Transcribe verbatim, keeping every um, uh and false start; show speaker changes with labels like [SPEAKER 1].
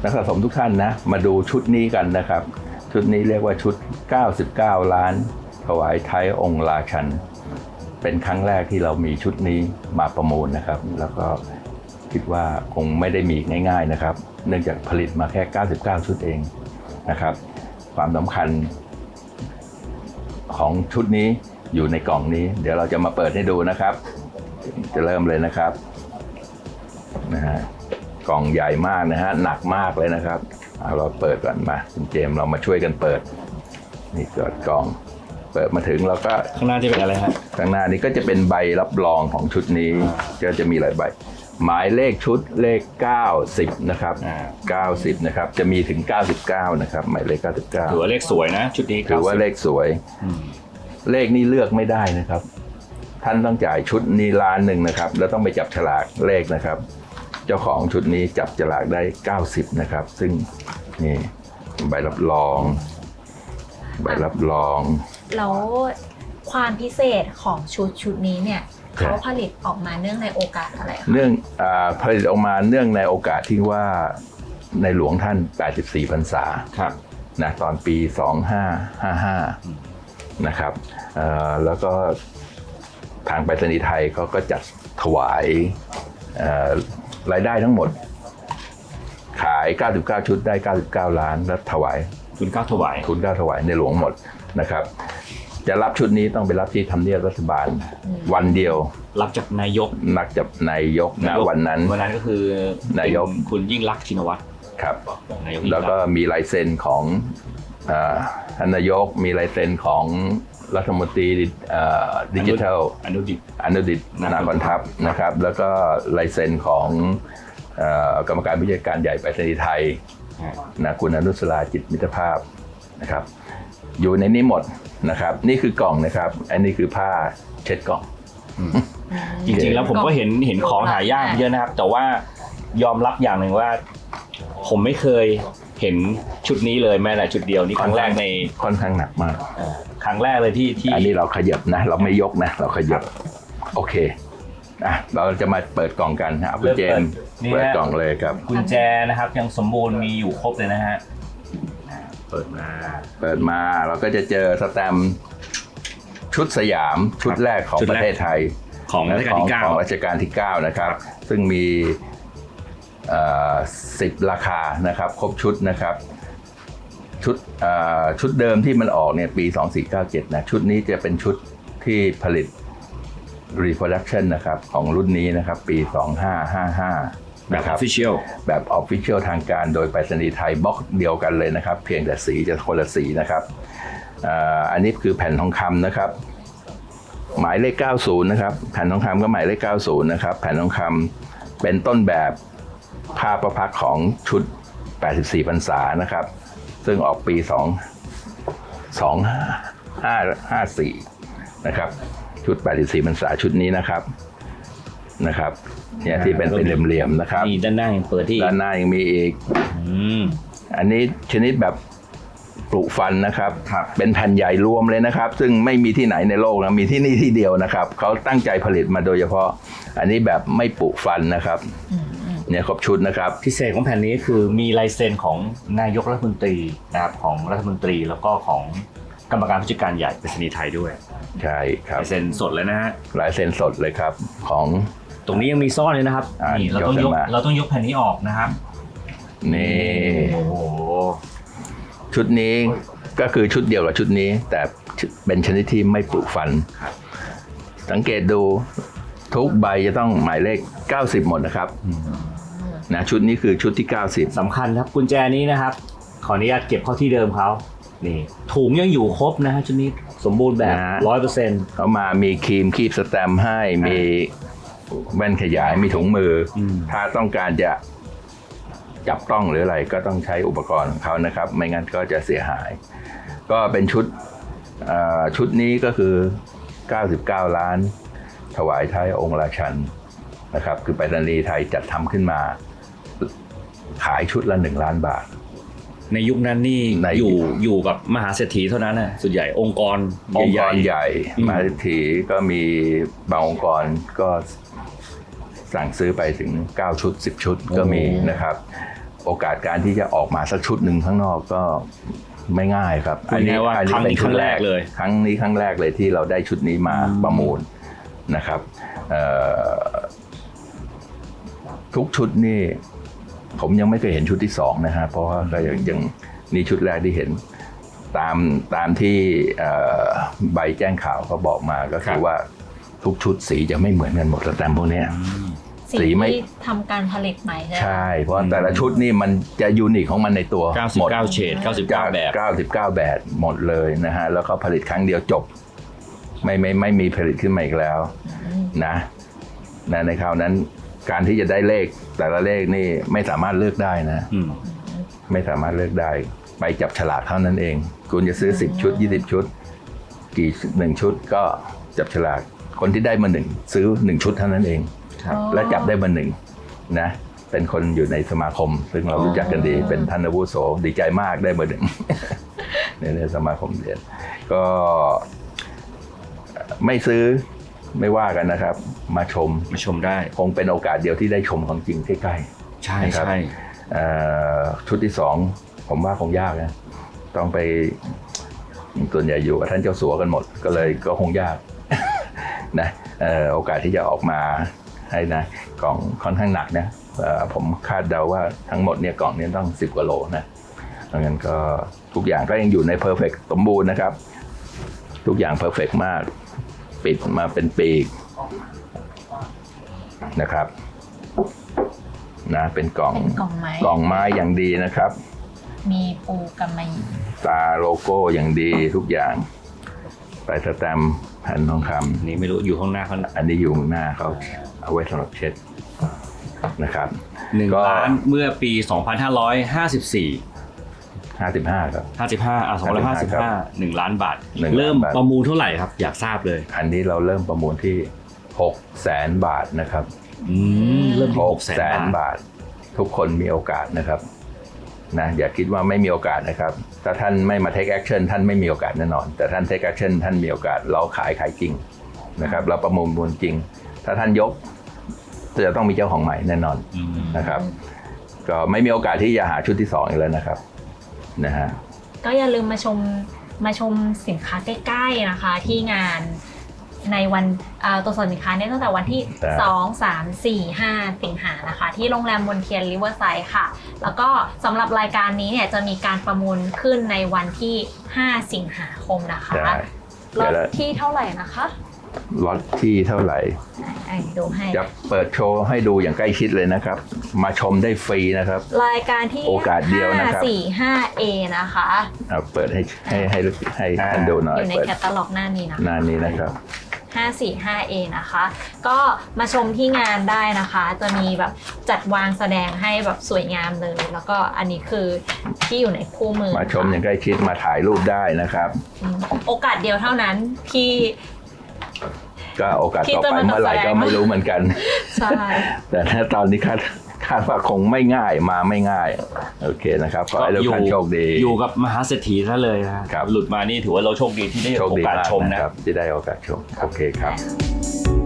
[SPEAKER 1] กสะสมทุกท่านนะมาดูชุดนี้กันนะครับชุดนี้เรียกว่าชุดเก้าสิบเก้าล้านถวายไทยองค์ราชันเป็นครั้งแรกที่เรามีชุดนี้มาประมูลนะครับแล้วก็คิดว่าคงไม่ได้มีง่ายๆนะครับเนื่องจากผลิตมาแค่เก้าสิบเก้าชุดเองนะครับความสำคัญของชุดนี้อยู่ในกล่องนี้เดี๋ยวเราจะมาเปิดให้ดูนะครับจะเริ่มเลยนะครับนะฮะกล่องใหญ่มากนะฮะหนักมากเลยนะครับเอาเราเปิดก่อนมาคุณเจมส์เรามาช่วยกันเปิดนี่เกิดกล่องเปิดมาถึงเราก็
[SPEAKER 2] ข้างหน้าจะเป็นอะไรครับ
[SPEAKER 1] ข้างหน้านี้ก็จะเป็นใบรับรองของชุดนี้ก็จะมีหลายใบหมายเลขชุดเลขเก้าสิบนะครับเก้าสิบนะครับจะมีถึงเก้าสิบเก้านะครับหมายเลขเก้าสิบเก้า
[SPEAKER 2] ถือว่าเลขสวยนะชุดนี้
[SPEAKER 1] ถือว่าเลขสวยเลขนี้เลือกไม่ได้นะครับท่านต้องจ่ายชุดนี้ล้านหนึ่งนะครับแล้วต้องไปจับฉลากเลขนะครับเจ้าของชุดนี้จับฉลากได้เก้าสิบนะครับซึ่งนี่ใบรับรองใบรับรอง
[SPEAKER 3] แล้วความพิเศษของชุดชุดนี้เนี่ยเขาผลิตออกมาเนื่องในโอกาสอะไรคะ
[SPEAKER 1] เนื่องอ่าผลิตออกมาเนื่องในโอกาสที่ว่าในหลวงท่านแปดสิบสี่พรรษา
[SPEAKER 2] ครับ
[SPEAKER 1] นะตอนปีสองพันห้าร้อยห้าสิบห้านะครับแล้วก็ทางไปรษณีย์ไทยเขาก็จัดถวายรายได้ทั้งหมดขายเก้าสิบเก้าชุดได้เก้าสิบเก้าล้านแล้วถวาย
[SPEAKER 2] ทุนเก้าถวาย
[SPEAKER 1] ทุนเก้าถวายในหลวงหมดนะครับจะรับชุดนี้ต้องไปรับที่ทำเนียบรัฐบาลวันเดียว
[SPEAKER 2] รับจากนายก
[SPEAKER 1] นักจากนายกณวันนั้น
[SPEAKER 2] วันนั้นก็คือนายกคุณยิ่งลักษณ์ชินวัตร
[SPEAKER 1] ครับแล้วก็มีลายเซ็นของท่านนายกมีลายเซ็นของรัฐมนตรีดิจิทัล
[SPEAKER 2] อนุดิต
[SPEAKER 1] อนุดิตนาคอนทัพนะครับแล้วก็ลายเซ็นของกรรมการผู้จัดการใหญ่ไปรษณีย์ไทยนะคุณอนุสราจิตมิตรภาพนะครับอยู่ในนี้หมดนะครับนี่คือกล่องนะครับอันนี้คือผ้าเช็ดกล่อง
[SPEAKER 2] จริงๆแล้วผมก็เห็นเห็นของหายากเยอะนะครับแต่ว่ายอมรับอย่างหนึ่งว่าผมไม่เคยเห็นชุดนี้เลยแม้แต่ชุดเดียวนี่ครั้งแรกใน
[SPEAKER 1] ค่อนข้างหนักมาก
[SPEAKER 2] ครั้งแรกเลยที่ที่
[SPEAKER 1] อันนี้เราขยับนะเราไม่ยกนะเราขยับโอเคอ่ะเราจะมาเปิดกล่องกันครับคุณเจมส์เปิดกล่องเลยครับ
[SPEAKER 2] กุญแจนะครับยังสมบูรณ์มีอยู่ครบเลยนะฮะเปิดมา
[SPEAKER 1] เปิดมาเราก็จะเจอสแตมป์ชุดสยามชุดแรกของประเทศไทย
[SPEAKER 2] ของรัชกาลที่เก้า
[SPEAKER 1] ของรัชกาลที่เก้านะครับซึ่งมีสิบราคานะครับครบชุดนะครับชุดชุดเดิมที่มันออกเนี่ยปีสองพันสี่ร้อยเก้าสิบเจ็ดนะชุดนี้จะเป็นชุดที่ผลิต reproduction นะครับของรุ่นนี้นะครับปีสองพันห้าร้อยห้าสิบห้า
[SPEAKER 2] แบบ official
[SPEAKER 1] แบบ official ทางการโดยไปรษณีย์ไทยบล็อกเดียวกันเลยนะครับเพียงแต่สีจะคนละสีนะครับอันนี้คือแผ่นทองคำนะครับหมายเลขเก้าสิบนะครับแผ่นทองคำก็หมายเลขเก้าสิบนะครับแผ่นทองคำเป็นต้นแบบผ้าประพักของชุดแปดสิบสี่พรรษานะครับซึ่งออกปีสองพันห้าร้อยห้าสิบสี่นะครับชุดแปดสิบสี่พรรษาชุดนี้นะครับนะครับเนี่ยที่เป็นเป็นเหลี่ยมๆนะครับ
[SPEAKER 2] นี่ด้านหน้ายังเปิดที่
[SPEAKER 1] ด้านหน้ายังมีอีกอันนี้ชนิดแบบปลูกฟันนะครับเป็นแผ่นใหญ่รวมเลยนะครับซึ่งไม่มีที่ไหนในโลกนะมีที่นี่ที่เดียวนะครับเขาตั้งใจผลิตมาโดยเฉพาะอันนี้แบบไม่ปลูกฟันนะครับเนี่ยครบชุดนะครับ
[SPEAKER 2] พิเศษของแผ่นนี้คือมีลายเซ็นของนายกรัฐมนตรีนะครับของรัฐมนตรีแล้วก็ของกรรมการผู้จัดการใหญ่ไปรษณีย์ไทยด้วย
[SPEAKER 1] ใช่ครับ
[SPEAKER 2] ลายเซ็นสดเลยนะฮะ
[SPEAKER 1] ลายเซ็นสดเลยครับของ
[SPEAKER 2] ตรงนี้ยังมีซ่อนเลยนะครับนี่เราต้องยกเราต้องยกแผ่นนี้ออกนะครับ
[SPEAKER 1] นี่โอ้โหชุดนี้ก็คือชุดเดียวกับชุดนี้แต่เป็นชนิดที่ไม่ปลูกฟันสังเกตดูทุกใบจะต้องหมายเลขเก้าสิบหมดนะครับนะชุดนี้คือชุดที่เก้าสิบ
[SPEAKER 2] สำคัญครับกุญแจนี้นะครับขออนุญาตเก็บเข้าที่เดิมเขานี่ถุงยังอยู่ครบนะฮะชุดนี้สมบูรณ์แบบ ร้อยเปอร์เซ็นต์
[SPEAKER 1] เขามามีครีมคีบสแตมป์ให้มีแว่นขยายมีถุงมือถ้าต้องการจะจับต้องหรืออะไรก็ต้องใช้อุปกรณ์ของเขานะครับไม่งั้นก็จะเสียหายก็เป็นชุดชุดนี้ก็คือเก้าสิบเก้าล้านถวายไทยองค์ราชันนะครับคือไปรษณีย์ไทยจัดทำขึ้นมาขายชุดละหนึ่งล้านบาท
[SPEAKER 2] ในยุคนั้นนี่อยู่อยู่กับมหาเศรษฐีเท่านั้นนะส่วนใหญ่องค์กร
[SPEAKER 1] องค์กรใหญ่มหาเศรษฐีก็มีบางองค์กรก็สั่งซื้อไปถึงเก้าชุดสิบชุดก็มีนะครับโอกาสการที่จะออกมาสักชุดหนึ่งข้างนอกก็ไม่ง่ายครับ
[SPEAKER 2] พูดง่ายๆว่าครั้งนี้ครั้งแรกเลย
[SPEAKER 1] ครั้งนี้ครั้งแรกเลยที่เราได้ชุดนี้มาประมูลนะครับเอ่อทุกชุดนี่ผมยังไม่เคยเห็นชุดที่สองนะฮะเพราะว่าก็ยังยังนี่ชุดแรกที่เห็นตามตามที่เอ่อใบแจ้งข่าวเขาบอกมาก็คือว่าทุกชุดสีจะไม่เหมือนกันหมดสแตมป์พวกเนี้ย
[SPEAKER 3] สี
[SPEAKER 1] สีไม่
[SPEAKER 3] ที่ทำการผลิตใหม่ใช่ไหม
[SPEAKER 1] ใช่ เพราะแต่ละชุดนี่มันจะยูนิคของมันในตัว
[SPEAKER 2] เก้าสิบ
[SPEAKER 1] หมด
[SPEAKER 2] เก้าเฉดเก้าสิบเก้าแบบ
[SPEAKER 1] เก้าสิบเก้าแบบหมดเลยนะฮะแล้วก็ผลิตครั้งเดียวจบไม่ไม่ไม่มีผลิตขึ้นมาอีกแล้วนะนะในคราวนั้นการที่จะได้เลขแต่ละเลขนี่ไม่สามารถเลือกได้นะ
[SPEAKER 2] อืม
[SPEAKER 1] ไม่สามารถเลือกได้ไปจับฉลากเท่านั้นเองคุณจะซื้อสิบชุดยี่สิบชุดกี่หนึ่งชุดก็จับฉลากคนที่ได้มาหนึ่งซื้อหนึ่งชุดเท่านั้นเอง
[SPEAKER 2] ครับ
[SPEAKER 1] และจับได้มาหนึ่งนะเป็นคนอยู่ในสมาคม ซึ่งเรารู้จักกันดีเป็นท่านอาวุโสดีใจมากได้มาหนึ่ง ในในสมาคมเรียนก็ไม่ซื้อไม่ว่ากันนะครับ มาชม
[SPEAKER 2] มาชมได้
[SPEAKER 1] คงเป็นโอกาสเดียวที่ได้ชมของจริงใกล้
[SPEAKER 2] ใช่
[SPEAKER 1] นะครับ
[SPEAKER 2] ใช่
[SPEAKER 1] ๆเอ่อชุดที่สองผมว่าคงยากนะต้องไปส่วนใหญ่อยู่กับท่านเจ้าสัวกันหมด ก็เลยก็คงยาก นะเอ่อโอกาสที่จะออกมาให้นะกล่องค่อนข้างหนักนะเอ่อผมคาดเดาว่าทั้งหมดเนี่ยกล่องนี้ต้องสิบกว่าโลนะเพราะงั้นก็ทุกอย่างก็ยังอยู่ในเพอร์เฟกต์สมบูรณ์นะครับ ทุกอย่างเพอร์เฟกต์มากปิดมาเป็นปีกนะครับนะเป็นกล่อง
[SPEAKER 3] เป็นกล่องไม้
[SPEAKER 1] กล่องไม้อย่างดีนะครับ
[SPEAKER 3] มีปูกำมะหยี่
[SPEAKER 1] ตาโลโก้อย่างดีทุกอย่างใส่สแตมป์แผ่นทองค
[SPEAKER 2] นี่ไม่รู้อยู่ข้างหน้าเขา
[SPEAKER 1] ำอันนี้อยู่ข้างหน้าเขาเอาไว้สำหรับเช็ดนะครับ
[SPEAKER 2] หนึ่ง
[SPEAKER 1] ก็
[SPEAKER 2] ล้านเมื่อปี สองพันห้าร้อยห้าสิบสี่
[SPEAKER 1] ห้าสิบห้าครับ
[SPEAKER 2] ห้าสิบห้าอ่ะสองพันห้าสิบห้าหนึ่งล้านบาท
[SPEAKER 1] หนึ่งล้านบาท
[SPEAKER 2] เริ่มประมูลเท่าไหร่ครับ อยากทราบเลย
[SPEAKER 1] อันนี้เราเริ่มประมูลที่หกแสนบาทนะครับ
[SPEAKER 2] อืมเริ่มที่
[SPEAKER 1] ห
[SPEAKER 2] ห
[SPEAKER 1] ก
[SPEAKER 2] ก
[SPEAKER 1] แส
[SPEAKER 2] แส
[SPEAKER 1] น
[SPEAKER 2] นบาท
[SPEAKER 1] บาท ทุกคนมีโอกาสนะครับนะอย่าคิดว่าไม่มีโอกาสนะครับถ้าท่านไม่มา take action ท่านไม่มีโอกาสแน่นอน แต่ท่าน take action ท่านมีโอกาสเราขายขายจริงนะครับเราประมูลมูลจริง ถ้าท่านยกจะต้องมีเจ้าของใหม่แน่นอน
[SPEAKER 2] อืม
[SPEAKER 1] นะครับก็ไม่มีโอกาสที่จะหาชุดที่สองอีกแล้วนะครับนะฮะ
[SPEAKER 3] ก็อย่าลืมมาชมมาชมสินค้าใกล้ๆนะคะ ที่งานในวันเอ่อตัวส่วนสินค้าเนี่ยตั้งแต่วันที่
[SPEAKER 1] ครับ
[SPEAKER 3] สอง สาม สี่ ห้า สิงหานะคะ ที่โรงแรมมนเทียนริเวอร์ไซด์ค่ะ แล้วก็สำหรับรายการนี้เนี่ยจะมีการประมูลขึ้นในวันที่ ห้า สิงหาคมนะคะ
[SPEAKER 1] ได้
[SPEAKER 3] ร
[SPEAKER 1] เดี๋ย
[SPEAKER 3] ถ
[SPEAKER 1] วละ
[SPEAKER 3] ที่เท่าไหร่นะคะ
[SPEAKER 1] ล็อตที่เท่าไหร่
[SPEAKER 3] อ่ะดูให้
[SPEAKER 1] จะเปิดโชว์ให้ดูอย่างใกล้ชิดเลยนะครับ มาชมได้ฟรีนะครับ
[SPEAKER 3] รายการที่
[SPEAKER 1] โอกาสเดียวนะครับ
[SPEAKER 3] ห้า สี่ ห้า เอ นะคะ
[SPEAKER 1] เอาเปิดให้ให้ให้ให้ท่านดูหน่อย
[SPEAKER 3] อยู่ใน
[SPEAKER 1] เปิด
[SPEAKER 3] แคตตาล็อกหน้านี้นะคะ
[SPEAKER 1] หน้านี้นะครับ
[SPEAKER 3] ห้า สี่ ห้า เอ นะคะ ก็มาชมที่งานได้นะคะ จะมีแบบจัดวางแสดงให้แบบสวยงามเลย แล้วก็อันนี้คือที่อยู่ในคู่มือ
[SPEAKER 1] มาชมอย่างใกล้ชิดมาถ่ายรูปได้นะครับ
[SPEAKER 3] อืมโอกาสเดียวเท่านั้นที่
[SPEAKER 1] ก็โอกาส
[SPEAKER 3] ที่
[SPEAKER 1] ต่อ
[SPEAKER 3] จะ
[SPEAKER 1] ไป
[SPEAKER 3] มา
[SPEAKER 1] เมื่อไหร่
[SPEAKER 3] แสดง
[SPEAKER 1] ก็ไม่รู้เหมือนกัน
[SPEAKER 3] ใช่
[SPEAKER 1] แต่ถ้าตอนนี้คาดคาดว่าคงไม่ง่ายมาไม่ง่ายโอเคนะครับขอให้ทุกท่านโชคดี
[SPEAKER 2] อยู่กับมหาเศรษฐีซะเลยนะครับ หลุดมานี่ถือว่าเราโชคดีที่ได้
[SPEAKER 1] โชค
[SPEAKER 2] โอ
[SPEAKER 1] ดี
[SPEAKER 2] กาส
[SPEAKER 1] มาก
[SPEAKER 2] ชม
[SPEAKER 1] นะ
[SPEAKER 2] นะ
[SPEAKER 1] ครับที่ได้โอกาสชมโอเคครับ